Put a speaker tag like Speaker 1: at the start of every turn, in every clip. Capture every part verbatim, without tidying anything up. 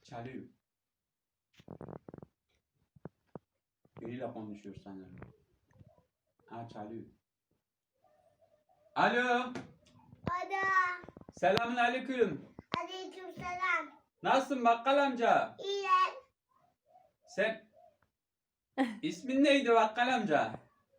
Speaker 1: Çalıyor. Biriyle konuşuyor sanırım. Ha çalıyor. Alo.
Speaker 2: Ada.
Speaker 1: Selamun aleyküm.
Speaker 2: Aleykümselam.
Speaker 1: Nasılsın bakkal amca?
Speaker 2: İyiyim.
Speaker 1: Sen ismin neydi bakkal amca?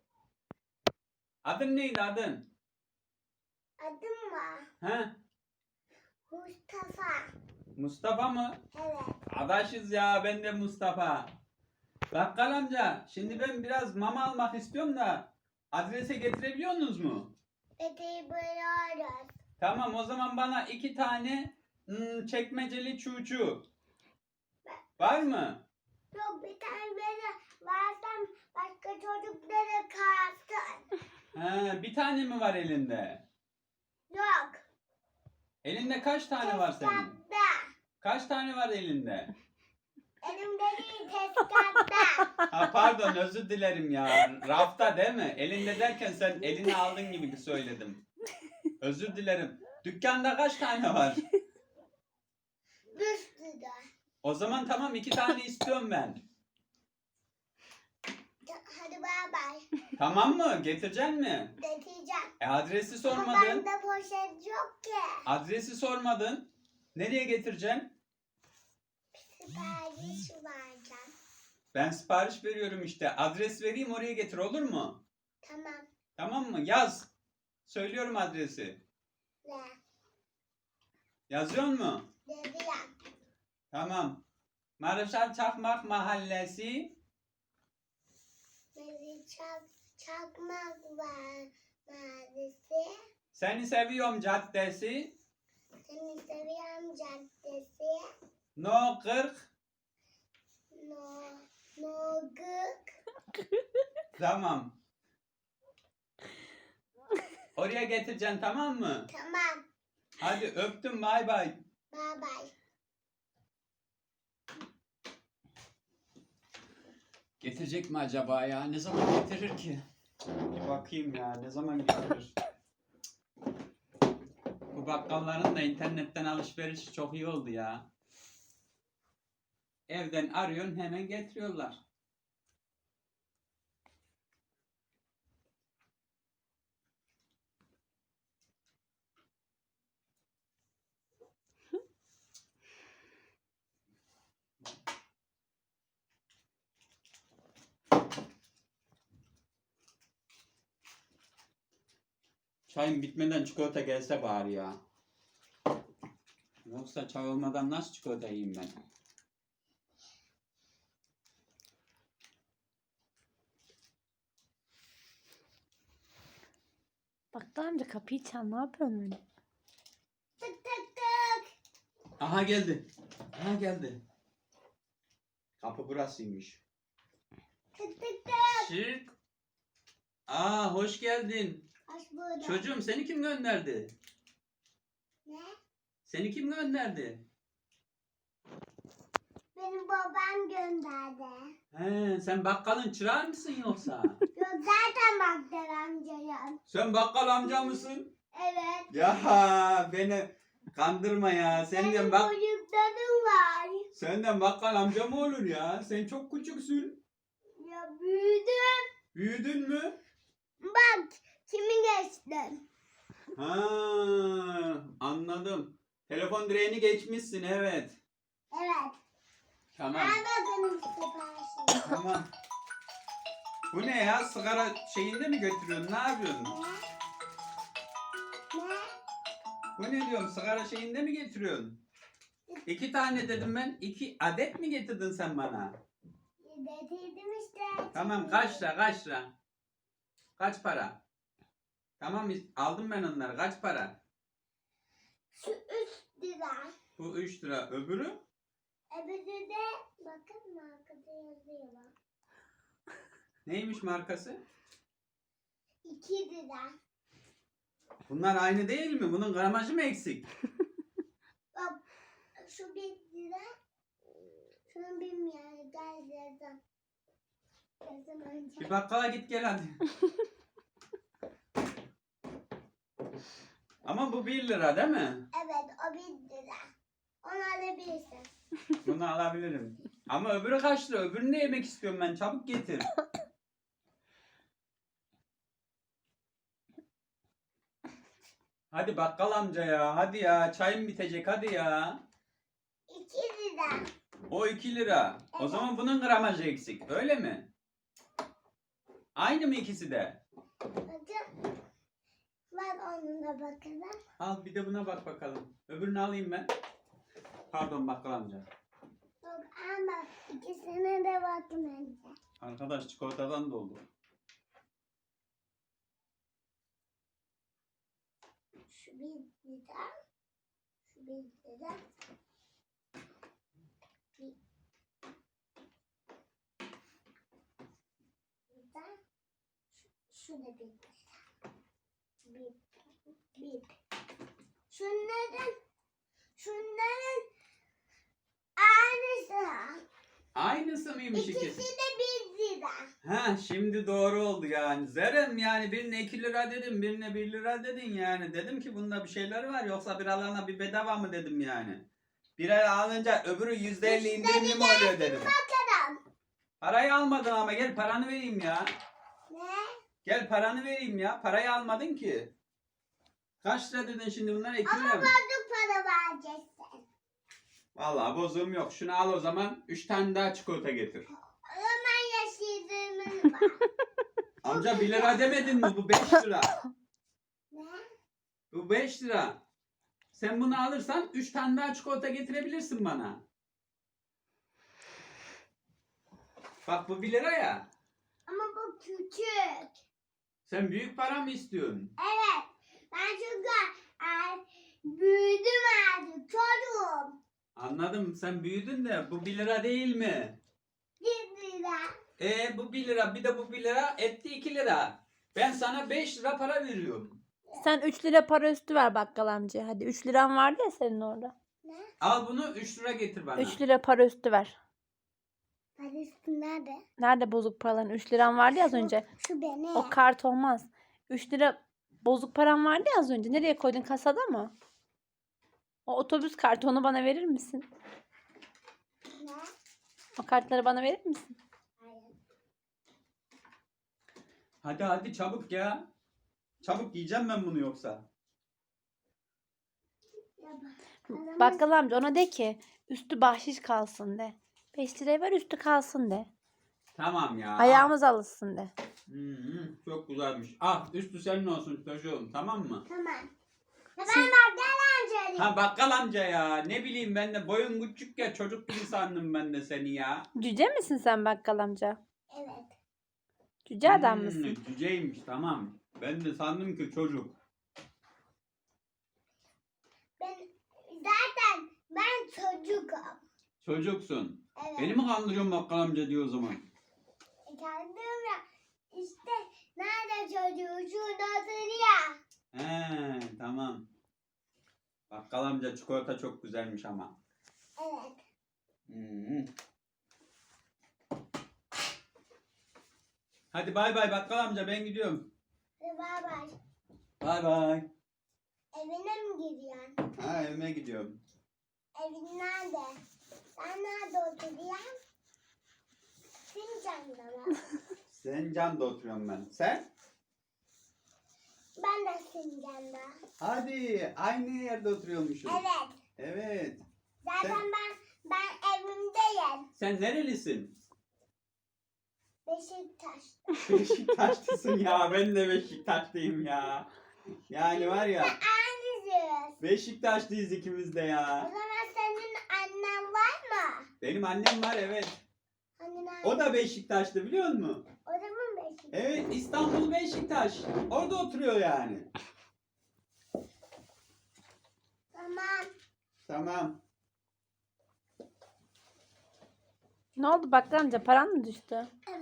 Speaker 1: Adın neydi adın?
Speaker 2: Adım var.
Speaker 1: He?
Speaker 2: Mustafa.
Speaker 1: Mustafa mı?
Speaker 2: Evet.
Speaker 1: Adaşız ya, ben de Mustafa. Bakkal amca, şimdi ben biraz mama almak istiyorum da adrese getirebiliyorsunuz mu?
Speaker 2: Bebeği buluyoruz.
Speaker 1: Tamam, o zaman bana iki tane hmm, çekmeceli çuçu. Var mı?
Speaker 2: Yok, bir tane böyle versem başka çocuklara kalsın.
Speaker 1: He, bir tane mi var elinde?
Speaker 2: Yok.
Speaker 1: Elinde kaç tane var senin?
Speaker 2: Tezgahta.
Speaker 1: Kaç tane var elinde?
Speaker 2: Elimde değil, tezgahta.
Speaker 1: Ha pardon, özür dilerim ya. Rafta değil mi? Elinde derken sen elini aldın gibi söyledim. Özür dilerim. Dükkanda kaç tane var?
Speaker 2: Bir sürü.
Speaker 1: O zaman tamam, iki tane istiyorum ben.
Speaker 2: Hadi bay bay.
Speaker 1: Tamam mı? Getireceksin mi?
Speaker 2: Getireceğim.
Speaker 1: E adresi
Speaker 2: Ama
Speaker 1: sormadın.
Speaker 2: bende poşet yok ki.
Speaker 1: Adresi sormadın. Nereye getireceksin?
Speaker 2: Sipariş vereceğim.
Speaker 1: Ben sipariş veriyorum işte. Adres vereyim, oraya getir, olur mu?
Speaker 2: Tamam.
Speaker 1: Tamam mı? Yaz. Söylüyorum adresi.
Speaker 2: Ne?
Speaker 1: Yazıyor mu?
Speaker 2: Dediğim.
Speaker 1: Tamam. Marşal Çakmak Mahallesi.
Speaker 2: Beni çak, çakmak var mahallesi.
Speaker 1: Seni Seviyorum Caddesi.
Speaker 2: Seni seviyorum caddesi.
Speaker 1: No kırk.
Speaker 2: No, no gık.
Speaker 1: Tamam. Oraya getireceksin, tamam mı?
Speaker 2: Tamam.
Speaker 1: Hadi öptüm, bay bay.
Speaker 2: Bye bye.
Speaker 1: Getirecek mi acaba ya? Ne zaman getirir ki? Bir bakayım ya, ne zaman getirir? Bu bakkalların da internetten alışverişi çok iyi oldu ya. Evden arıyorsun, hemen getiriyorlar. Çayım bitmeden çikolata gelse bari ya. Yoksa çay olmadan nasıl çikolata yiyeyim ben?
Speaker 3: Bakkal amca kapıyı çal, ne yapıyorsun öyle?
Speaker 2: Tık tık tık.
Speaker 1: Aha geldi. Aha geldi. Kapı burasıymış.
Speaker 2: Tık tık tık.
Speaker 1: Şık. Aa, hoş geldin.
Speaker 2: Hoş bulduk.
Speaker 1: Çocuğum, seni kim gönderdi?
Speaker 2: Ne?
Speaker 1: Seni kim gönderdi?
Speaker 2: Benim babam gönderdi.
Speaker 1: He, sen bakkalın çırağı mısın yoksa?
Speaker 2: Yok, zaten baktır amcayım.
Speaker 1: Sen bakkal amca mısın?
Speaker 2: Evet.
Speaker 1: Ya beni kandırma ya. Senden
Speaker 2: Benim
Speaker 1: bak
Speaker 2: çocuklarım var.
Speaker 1: senden bakkal amca mı olur ya? Sen çok küçüksün.
Speaker 2: Ya büyüdüm.
Speaker 1: Büyüdün mü?
Speaker 2: Bak kimi geçtim.
Speaker 1: Ha, anladım. Telefon direğini geçmişsin, evet.
Speaker 2: Evet.
Speaker 1: Tamam.
Speaker 2: Al bakalım siparişini.
Speaker 1: Tamam. Bu ne ya? Sigara şeyinde mi götürüyorsun? Ne yapıyorsun?
Speaker 2: Ne? Ne?
Speaker 1: Bu ne diyorum? Sigara şeyinde mi getiriyorsun? İki tane dedim ben. İki adet mi getirdin sen bana?
Speaker 2: Getirdim işte.
Speaker 1: Tamam, kaç lira kaç lira? Kaç para? Tamam, aldım ben onları. Kaç para?
Speaker 2: Şu üç lira.
Speaker 1: Bu üç lira. Öbürü?
Speaker 2: Öbürü de bakın markada yazıyor bak.
Speaker 1: Neymiş markası?
Speaker 2: iki lira.
Speaker 1: Bunlar aynı değil mi? Bunun gramajı mı eksik?
Speaker 2: Bak şu bir lira. Şunu bilmiyorum. Gel yazın. Yazın önce.
Speaker 1: Bir bakkala git gel hadi. Ama bu bir lira değil mi?
Speaker 2: Evet, o bir lira. Onu alabilirsin.
Speaker 1: Bunu alabilirim. Ama öbürü kaç lira? Öbürünü de yemek istiyorum ben. Çabuk getir. Hadi bakkal amca ya. Hadi ya. Çayım bitecek. Hadi ya.
Speaker 2: İki lira.
Speaker 1: O iki lira. O
Speaker 2: Evet.
Speaker 1: zaman bunun gramajı eksik. Öyle mi? Aynı mı ikisi de?
Speaker 2: Bakın. Bak onunla bakalım.
Speaker 1: Al bir de buna bak bakalım. Öbürünü alayım ben. Pardon bakkal amca.
Speaker 2: Yok ama ikisine de bakın önce.
Speaker 1: Arkadaş çikolatadan doldu.
Speaker 2: Şu bir lira. Şu bir lira. Bir. Lira. Şu, şu da bir lira. Bir. Bir. Şunların şunların aynısı.
Speaker 1: Aynısı mıymış
Speaker 2: İkisi
Speaker 1: ikisi?
Speaker 2: de bir lira.
Speaker 1: Ha şimdi doğru oldu yani. Zerem yani birine iki lira dedim, birine bir lira dedin yani. Dedim ki bunda bir şeyler var yoksa biralarına bir bedava mı dedim yani. Birer alınca öbürü yüzde elli indirimli mi oluyor dedim.
Speaker 2: Bakalım.
Speaker 1: Parayı almadın ama gel paranı vereyim ya.
Speaker 2: Ne?
Speaker 1: Gel paranı vereyim ya. Parayı almadın ki. Kaç lira dedin şimdi bunlar iki
Speaker 2: Ama
Speaker 1: lira mı?
Speaker 2: bozuk para vereceksin.
Speaker 1: Vallahi bozuğum yok. Şunu al o zaman. Üç tane daha çikolata getir.
Speaker 2: O zaman yaşadığımız var.
Speaker 1: Amca bir lira demedin mi? Bu beş lira.
Speaker 2: Ne?
Speaker 1: Bu beş lira. Sen bunu alırsan üç tane daha çikolata getirebilirsin bana. Bak bu bir lira ya.
Speaker 2: Ama bu küçük.
Speaker 1: Sen büyük para mı istiyorsun?
Speaker 2: Evet. Ben çünkü e, büyüdüm artık. Çocuğum.
Speaker 1: Anladım. Sen büyüdün de bu bir lira değil mi?
Speaker 2: Bir lira.
Speaker 1: E bu bir lira bir de bu bir lira etti iki lira. Ben sana beş lira para veriyorum.
Speaker 3: Sen üç lira para üstü ver bakkal amca. Hadi üç liran vardı ya senin orada.
Speaker 2: Ne?
Speaker 1: Al bunu üç lira getir bana.
Speaker 3: üç lira para üstü ver.
Speaker 2: Parası nerede?
Speaker 3: Nerede bozuk paraların? üç liran vardı ya az önce.
Speaker 2: Şu benim.
Speaker 3: O kart olmaz. üç lira bozuk param vardı ya az önce. Nereye koydun? Kasada mı? O otobüs kartı, onu bana verir misin?
Speaker 2: Ne?
Speaker 3: O kartları bana verir misin?
Speaker 2: Hayır.
Speaker 1: Hadi hadi çabuk ya. Çabuk yiyeceğim ben bunu yoksa.
Speaker 2: Ya bak.
Speaker 3: Bakkal amca ona de ki üstü bahşiş kalsın de. beş liraya ver üstü kalsın de.
Speaker 1: Tamam ya.
Speaker 3: Ayağımız alışsın de.
Speaker 1: Hmm, çok güzelmiş. Ah üstü senin olsun çocuğum tamam mı?
Speaker 2: Tamam. Ya ben
Speaker 3: Siz-
Speaker 2: bakkal amcayım.
Speaker 1: Ha bakkal amca ya ne bileyim ben de boyun küçük ya çocuk gibi sandım ben de seni ya.
Speaker 3: Cüce misin sen bakkal amca?
Speaker 2: Evet.
Speaker 3: Cüce adam
Speaker 1: Hmm,
Speaker 3: mısın?
Speaker 1: Cüceymiş tamam. Ben de sandım ki çocuk.
Speaker 2: Ben zaten ben çocukum.
Speaker 1: Çocuksun.
Speaker 2: Evet.
Speaker 1: Beni mi kandırıyorsun bakkal amca diyor o zaman.
Speaker 2: Kendim ya işte nerede çocuğu şurada oturuyor.
Speaker 1: He tamam. Bakkal amca çikolata çok güzelmiş ama.
Speaker 2: Evet.
Speaker 1: Hmm. Hadi bay bay bakkal amca ben gidiyorum.
Speaker 2: Hadi bay bay.
Speaker 1: Bay bay.
Speaker 2: Evine mi gidiyorsun?
Speaker 1: Ha evime gidiyorum.
Speaker 2: Evin nerede? Sen nerede oturuyorsun? Sincan'da mı?
Speaker 1: Sincan'da oturuyorum ben. Sen?
Speaker 2: Ben de Sincan'da.
Speaker 1: Hadi aynı yerde oturuyormuşuz.
Speaker 2: Evet.
Speaker 1: Evet.
Speaker 2: Zaten
Speaker 1: Sen-
Speaker 2: ben ben evimdeyim.
Speaker 1: Sen nerelisin?
Speaker 2: Beşiktaş.
Speaker 1: Beşiktaşlısın ya. Ben de Beşiktaşlıyım ya. Yani var ya
Speaker 2: Aynısıyız.
Speaker 1: Beşiktaşlıyız ikimiz de
Speaker 2: O
Speaker 1: ya.
Speaker 2: zaman senin annen var mı?
Speaker 1: Benim annem var evet.
Speaker 2: Hani nerede?
Speaker 1: O da Beşiktaşlı biliyor musun?
Speaker 2: O da mı Beşiktaş?
Speaker 1: Evet İstanbul Beşiktaş. Orada oturuyor yani.
Speaker 2: Tamam.
Speaker 1: Tamam.
Speaker 3: Ne oldu bakkal amca, paran mı düştü?
Speaker 2: Evet.